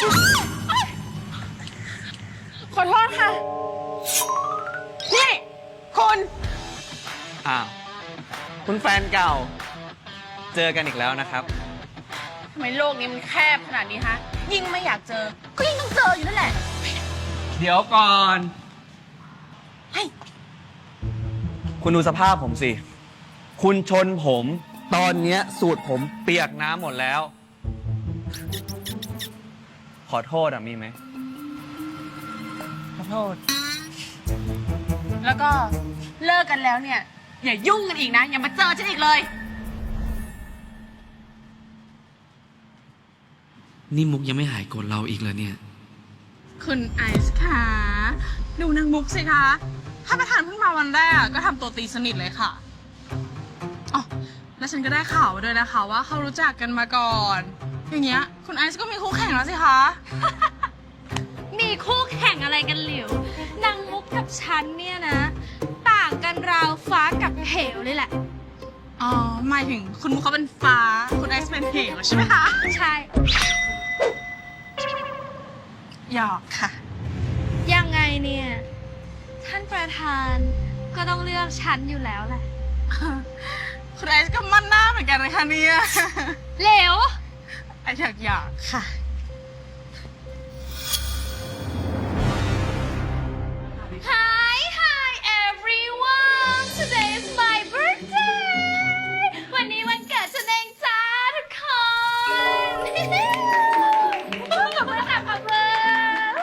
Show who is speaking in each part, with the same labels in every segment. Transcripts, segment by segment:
Speaker 1: ขอโทษค่ะ นี่คุณ
Speaker 2: อ้าวคุณแฟนเก่า เจอกันอีกแล้วนะครับ
Speaker 1: ทำไมโลกนี้มันแคบขนาดนี้ฮะ ยิ่งไม่อยากเจอ ก็ยิ่งต้องเจออยู่นั่นแหละ
Speaker 2: เดี๋ยวก่อน
Speaker 1: เฮ้ย
Speaker 2: คุณดูสภาพผมสิ คุณชนผม ตอนเนี้ยสูตรผมเปียกน้ำหมดแล้ว ขอโทษมีไหม
Speaker 1: ขอโทษ แล้วก็เลิกกันแล้วเนี่ย อย่ายุ่งกันอีกนะ อย่ามาเจอฉันอีกเลย
Speaker 3: นี่มุกยังไม่หายโกรธเราอีกเลยเนี่ย
Speaker 1: คุณไอซ์คะดูนางมุกสิคะ ถ้าประธานเพิ่งมาวันแรกก็ทำตัวตีสนิทเลยค่ะอ๋อแล้วฉันก็ได้ข่าวมาด้วยนะคะว่าเขารู้จักกันมาก่อน อย่างเงี้ยคุณไอซ์ก็มีคู่แข่งแล้วสิคะ
Speaker 4: มีคู่แข่งอะไรกันหลิวนางมุกกับฉันเนี่ยนะ ต่างกันราวฟ้ากับเหวเลยแหละ
Speaker 1: อ๋อหมายถึงคุณมุกเขาเป็นฟ้า คุณไอซ์เป็นเหวใช่ไหมคะ
Speaker 4: ใช่
Speaker 1: หยอกค่ะ
Speaker 4: ยังไงเนี่ย ท่านประธานก็ต้องเลือกฉันอยู่แล้วแหละ
Speaker 1: คุณไอซ์ก็มั่นหน้าเหมือนกันนะคะเนี่ย
Speaker 4: เหลว
Speaker 1: ไอซ์หยอกค่ะ
Speaker 4: Hi Hi everyone today is my birthday วันนี้วันเกิดฉันเองจ้าทุกคนขอบคุณค่ะขอบคุณ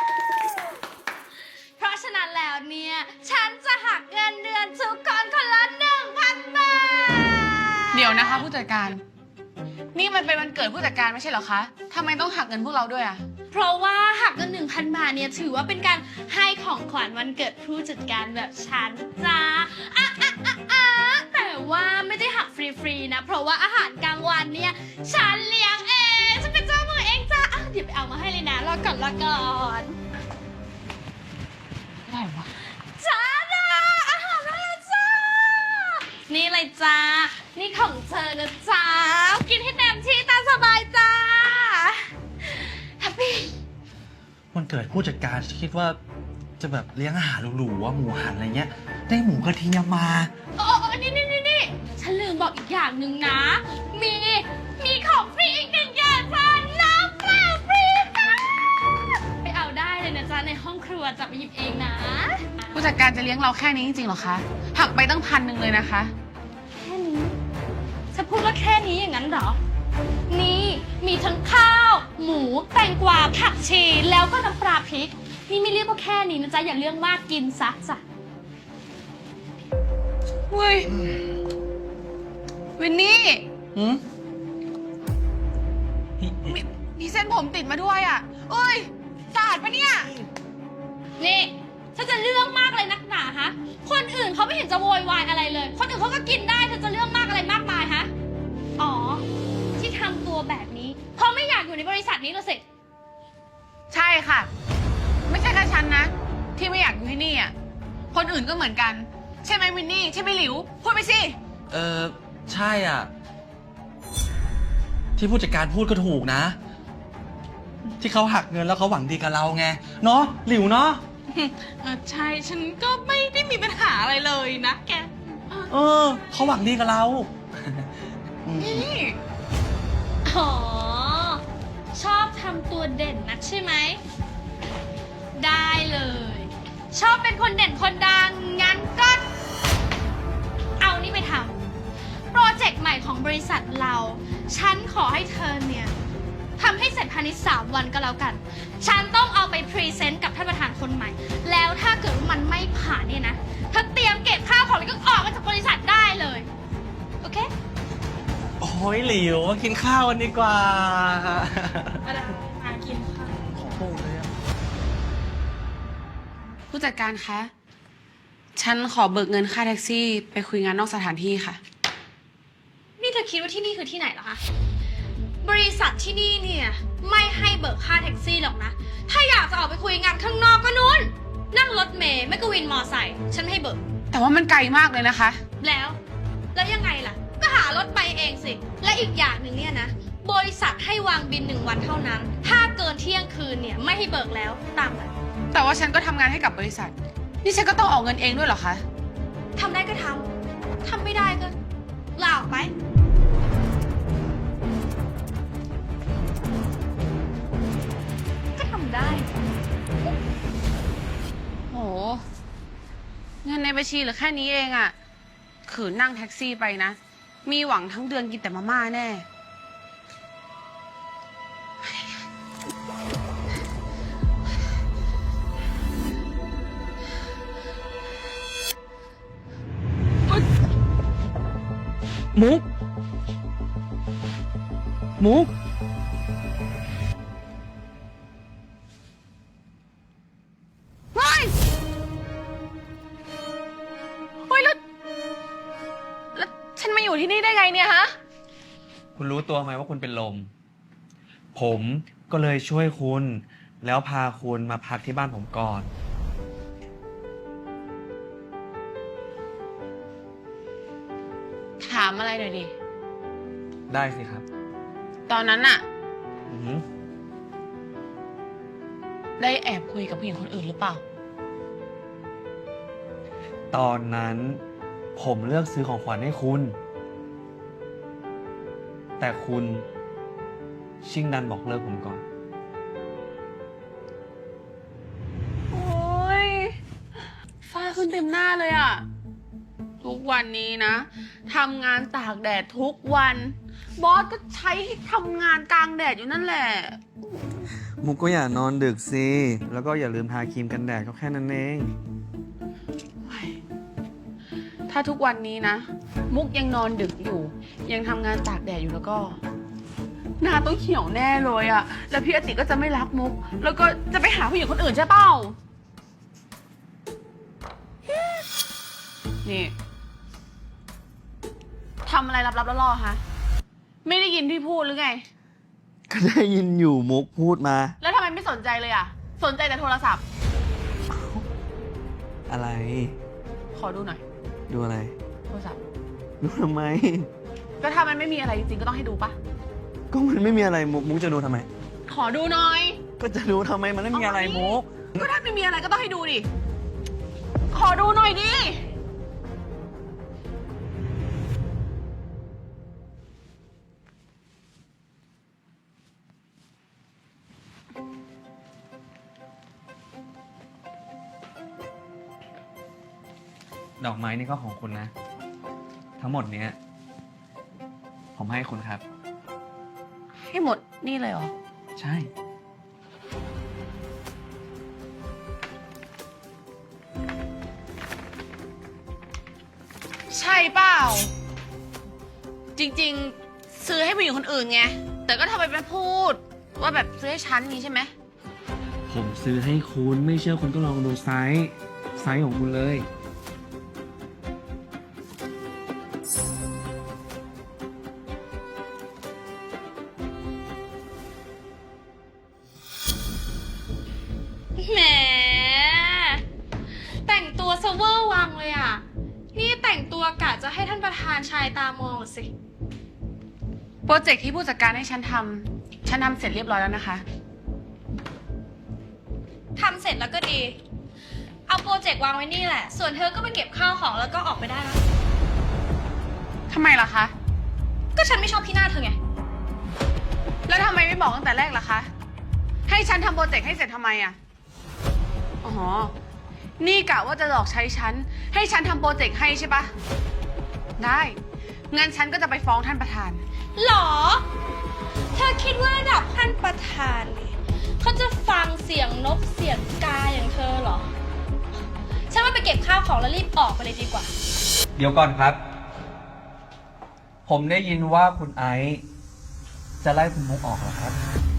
Speaker 4: เพราะฉะนั้นแล้วเนี่ยฉันจะหักเงินเดือนทุกคนคนละ 1,000 บาท
Speaker 1: เดี๋ยวนะคะผู้จัดการ นี่มันเป็นวันเกิดผู้จัดการไม่ใช่เหรอคะทำไมต้องหักเงินพวกเราด้วยอะ
Speaker 4: เพราะว่าหักเงิน 1,000 บาทเนี่ยถือว่าเป็นการให้ของขวัญวันเกิดผู้จัดการแบบฉันจ้าแต่ว่าไม่ได้หักฟรีๆนะ เพราะว่าอาหารกลางวันเนี่ยฉันเลี้ยงเองฉันเป็นเจ้ามือเองจ้าเดี๋ยวไปเอามาให้เลยนะรอก่อน
Speaker 1: อะไรวะ
Speaker 4: จ้าอาหารมาแล้วจ้า นี่เลยจ้า นี่ของเธอนะจ้า กินให้เต็มที่ตามสบายจ้าแฮปปี้
Speaker 5: วันเกิดผู้จัดการคิดว่าจะแบบเลี้ยงอาหารหรูๆว่าหมูหันอะไรเงี้ย ได้หมูกระเทียมมา
Speaker 4: โอ้นี่ฉันลืมบอกอีกอย่างหนึ่งนะ มีของฟรีอีกหนึ่งอย่างจ้าน้ำเปล่าฟรีจ้าไปเอาได้เลยนะจ๊ะในห้องครัวจะไปหยิบเองนะ
Speaker 1: ผู้จัดการจะเลี้ยงเราแค่นี้จริงๆเหรอคะ หักไปตั้ง1,000เลยนะคะ
Speaker 4: แค่นี้จะพูดว่าแค่นี้อย่างนั้นเหรอ นี่มีทั้งข้าว หมูแตงกวาผักชีแล้วก็น้ำปลาพริก นี่ไม่เรียกว่าแค่นี้นะจ๊ะอย่าเรื่องมากกินซะจ้ะ
Speaker 1: เว้ย วินนี่
Speaker 5: หืม
Speaker 1: มีเส้นผมติดมาด้วยอ่ะเอ้ยสะอาดปะเนี่ย
Speaker 4: นี่ถ้าจะเรื่องมากเลยนักหนาฮะ คนอื่นเขาไม่เห็นจะโวยวายอะไรเลย คนอื่นเขาก็กินได้เธอจะเรื่องมากอะไรมากมายฮะ อ๋อ ที่ทำตัวแบบนี้ เพราะไม่อยากอยู่ในบริษัทนี้ละสิ
Speaker 1: ใช่ค่ะ ไม่ใช่แค่ฉันนะ ที่ไม่อยากอยู่ที่นี่อ่ะ คนอื่นก็เหมือนกัน ใช่ไหมวินนี่ ใช่ไหมหลิว พูดไปสิ
Speaker 5: ใช่อ่ะ ที่ผู้จัดการพูดก็ถูกนะ ที่เขาหักเงินแล้วเขาหวังดีกับเราไง เนาะหลิวเนาะ
Speaker 1: ใช่ ฉันก็ไม่ได้มีปัญหาอะไรเลยนะแก
Speaker 5: เขาหวังดีกับเรา
Speaker 1: นี่
Speaker 4: อ๋อ ชอบทำตัวเด่นนักใช่ไหม ได้เลย ชอบเป็นคนเด่นคนดัง งั้นก็ เอานี่ไปทำโปรเจกต์ใหม่ของบริษัทเรา ฉันขอให้เธอเนี่ยทำให้เสร็จภายใน3 วันก็แล้วกัน ฉันต้องเอาไปพรีเซนต์กับท่านประธานคนใหม่ แล้วถ้าเกิดว่ามันไม่ผ่านเนี่ยนะเธอเตรียมเก็บข้าวของแล้วก็ออกมาจากบริษัทได้เลย โอเค
Speaker 5: โอ้ยหลิวมากินข้าวกันดีกว่า
Speaker 1: มากินค่ะ
Speaker 5: ขอโทษเลยอะ
Speaker 1: ผู้จัดการคะ ฉันขอเบิกเงินค่าแท็กซี่ไปคุยงานนอกสถานที่ค่ะ
Speaker 4: นี่เธอคิดว่าที่นี่คือที่ไหนเหรอคะ บริษัทที่นี่เนี่ยไม่ให้เบิกค่าแท็กซี่หรอกนะ ถ้าอยากจะออกไปคุยงานข้างนอกก็นู้น นั่งรถเมล์ไม่ก็วินมอไซค์ฉันไม่ให้เบิก
Speaker 1: แต่ว่ามันไกลมากเลยนะคะ
Speaker 4: แล้วยังไงล่ะ ก็หารถไปเองสิ และอีกอย่างหนึ่งเนี่ยนะ บริษัทให้วางบิน1 วันเท่านั้น ถ้าเกินเที่ยงคืนเนี่ยไม่ให้เบิกแล้วตามนั้น
Speaker 1: แต่ว่าฉันก็ทำงานให้กับบริษัท นี่ฉันก็ต้องออกเงินเองด้วยเหรอคะ
Speaker 4: ทำได้ก็ทำ ทำไม่ได้ก็ลาออกไป ก็ทำได้
Speaker 1: โห เงินในบัญชีเหลือแค่นี้เองอะขืนนั่งแท็กซี่ไปนะ มีหวังทั้งเดือนกินแต่มาม่าแน่
Speaker 2: มุก มุก
Speaker 1: เฮ้ย เฮ้ย แล้วฉันมาอยู่ที่นี่ได้ไงเนี่ยฮะ
Speaker 2: คุณรู้ตัวไหมว่าคุณเป็นลม ผมก็เลยช่วยคุณ แล้วพาคุณมาพักที่บ้านผมก่อน
Speaker 1: ถามอะไรหน่อยดิ
Speaker 2: ได้สิครับ
Speaker 1: ตอนนั้นอะ
Speaker 2: อือหือ
Speaker 1: ได้แอบคุยกับผู้หญิงคนอื่นหรือเปล่า
Speaker 2: ตอนนั้นผมเลือกซื้อของขวัญให้คุณ แต่คุณชิ่งดันบอกเลิกผมก่อน
Speaker 1: โอ้ยฝ้าขึ้นเต็มหน้าเลยอะทุกวันนี้นะทำงานตากแดดทุกวัน บอสก็ใช้ให้ทำงานกลางแดดอยู่นั่นแหละ
Speaker 2: มุกก็อย่านอนดึกสิ แล้วก็อย่าลืมทาครีมกันแดดก็แค่นั้นเอง
Speaker 1: ถ้าทุกวันนี้นะ มุกยังนอนดึกอยู่ ยังทำงานตากแดดอยู่แล้วก็ หน้าต้องเขียวแน่เลยอะแล้วพี่อติก็จะไม่รักมุก แล้วก็จะไปหาผู้หญิงคนอื่นใช่เปล่า นี่ทำอะไรลับๆล่อๆฮะ ไม่ได้ยินที่พูดหรือไง
Speaker 2: ก็ได้ยินอยู่มุกพูดมา
Speaker 1: แล้วทำไมไม่สนใจเลยอะสนใจแต่โทรศัพท์
Speaker 2: อะไร
Speaker 1: ขอดูหน่อย
Speaker 2: ดูอะไร
Speaker 1: โทรศัพท์
Speaker 2: ดูทำไม
Speaker 1: ก็ถ้ามันไม่มีอะไรจริงๆก็ต้องให้ดูปะ
Speaker 2: ก็มันไม่มีอะไรมุกจะดูทำไม
Speaker 1: ขอดูหน่อย
Speaker 2: ก็จะดูทำไมมันไม่มีอะไรมุก
Speaker 1: ก็ถ้าไม่มีอะไรก็ต้องให้ดูดิ ขอดูหน่อยดิ
Speaker 2: ดอกไม้นี่ก็ของคุณนะ ทั้งหมดเนี้ย ผมให้คุณครับ
Speaker 1: ให้หมดนี่เลยเหรอ
Speaker 2: ใช่
Speaker 1: ใช่เปล่า จริงๆ ซื้อให้ผู้หญิงคนอื่นไง แต่ก็ทำไมไปพูด ว่าแบบซื้อให้ฉันนี้ใช่ไหม
Speaker 2: ผมซื้อให้คุณไม่เชื่อคุณก็ลองดูไซส์ของคุณเลย
Speaker 4: แหม แต่งตัวเซเวอร์วังเลยอ่ะ นี่แต่งตัวกะจะให้ท่านประธานชายตามองเหรอสิ
Speaker 1: โปรเจกต์ที่ผู้จัดการให้ฉันทำเสร็จเรียบร้อยแล้วนะคะ
Speaker 4: ทำเสร็จแล้วก็ดี เอาโปรเจกต์วางไว้นี่แหละ ส่วนเธอก็ไปเก็บข้าวของแล้วก็ออกไปได้แล้ว
Speaker 1: ทำไมล่ะคะ
Speaker 4: ก็ฉันไม่ชอบที่หน้าเธอไง
Speaker 1: แล้วทำไมไม่บอกตั้งแต่แรกล่ะคะ ให้ฉันทำโปรเจกต์ให้เสร็จทำไมอะอ๋อ นี่กะว่าจะหลอกใช้ฉัน ให้ฉันทำโปรเจกต์ให้ใช่ปะ ได้ งั้นฉันก็จะไปฟ้องท่านประธาน
Speaker 4: หรอ เธอคิดว่าระดับท่านประธานเนี่ยเขาจะฟังเสียงนกเสียงกาอย่างเธอเหรอ ฉันว่าไปเก็บข้าวของแล้วรีบออกไปเลยดีกว่า
Speaker 2: เดี๋ยวก่อนครับ ผมได้ยินว่าคุณไอซ์จะไล่คุณมุกออกเหรอครับ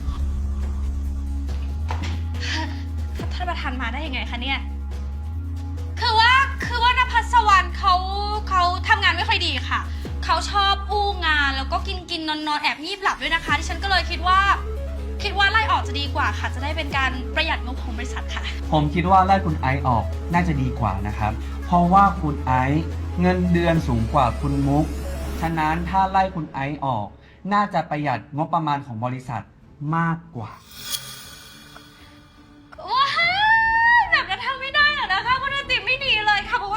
Speaker 4: ท่านประธานมาได้ยังไงคะเนี่ย คือว่านภัสวรรณเขาทำงานไม่ค่อยดีค่ะ เขาชอบอู้งานแล้วก็กินนอนแอบงีบหลับด้วยนะคะที่ฉันก็เลยคิดว่าไล่ออกจะดีกว่าค่ะ จะได้เป็นการประหยัดงบของบริษัทค่ะ
Speaker 2: ผมคิดว่าไล่คุณไอซ์ออกน่าจะดีกว่านะครับ เพราะว่าคุณไอซ์เงินเดือนสูงกว่าคุณมุก ฉะนั้นถ้าไล่คุณไอซ์ออก น่าจะประหยัดงบประมาณของบริษัทมากกว่า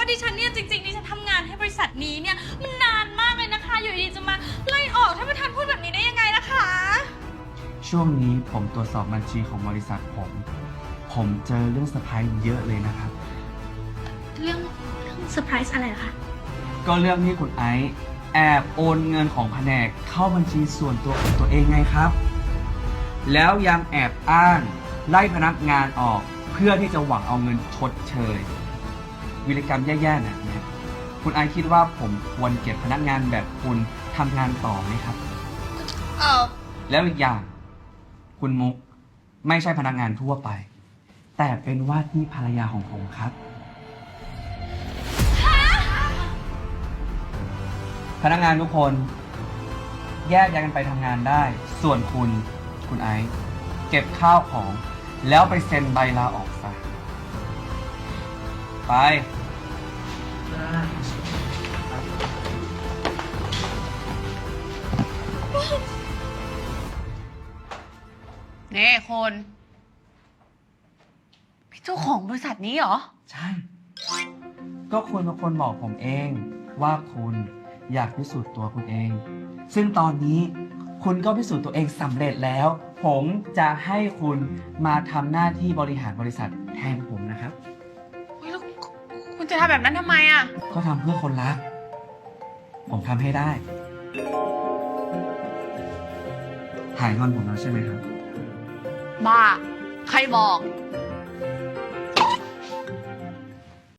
Speaker 4: ะดิฉันเนี่ยจริงๆดิฉันทำงานให้บริษัทนี้เนี่ยมันนานมากเลยนะคะ อยู่ดีๆจะมาไล่ออกท่านประธานพูดแบบนี้ได้ยังไงล่ะคะ
Speaker 2: ช่วงนี้ผมตรวจสอบบัญชีของบริษัทผมเจอเรื่องเซอร์ไพรส์เยอะเลยนะครับ
Speaker 4: เรื่องเซอร์ไพรส์อะไรเหรอคะ
Speaker 2: ก็เรื่องที่คุณไอซ์แอบโอนเงินของแผนกเข้าบัญชีส่วนตัวของตัวเองไงครับ แล้วยังแอบอ้างไล่พนักงานออกเพื่อที่จะหวังเอาเงินชดเชยวิรกรรมแย่ๆแบบนี้คุณไอซ์คิดว่าผมควรเก็บพนักงานแบบคุณทำงานต่อไหมครับ แล้วอีกอย่างคุณมุกไม่ใช่พนักงานทั่วไป แต่เป็นว่าที่ภรรยาของผมครับ พนักงานทุกคนแยกย้ายกันไปทำงานได้ ส่วนคุณไอซ์เก็บข้าวของ แล้วไปเซ็นใบลาออกซะ ไป
Speaker 1: นี่คนพี่เจ้าของบริษัทนี้เหรอ
Speaker 2: ใช่ ก็คุณเป็นคนบอกผมเองว่าคุณอยากพิสูจน์ตัวคุณเอง ซึ่งตอนนี้คุณก็พิสูจน์ตัวเองสำเร็จแล้ว ผมจะให้คุณมาทำหน้าที่บริหารบริษัทแทนผมนะครับ
Speaker 1: แล้วคุณจะทำแบบนั้นทำไมอ่ะ
Speaker 2: ก็ทำเพื่อคนรัก ผมทำให้ได้ หายงอนผมแล้วใช่ไหมครับ
Speaker 1: บ้า ใครบอก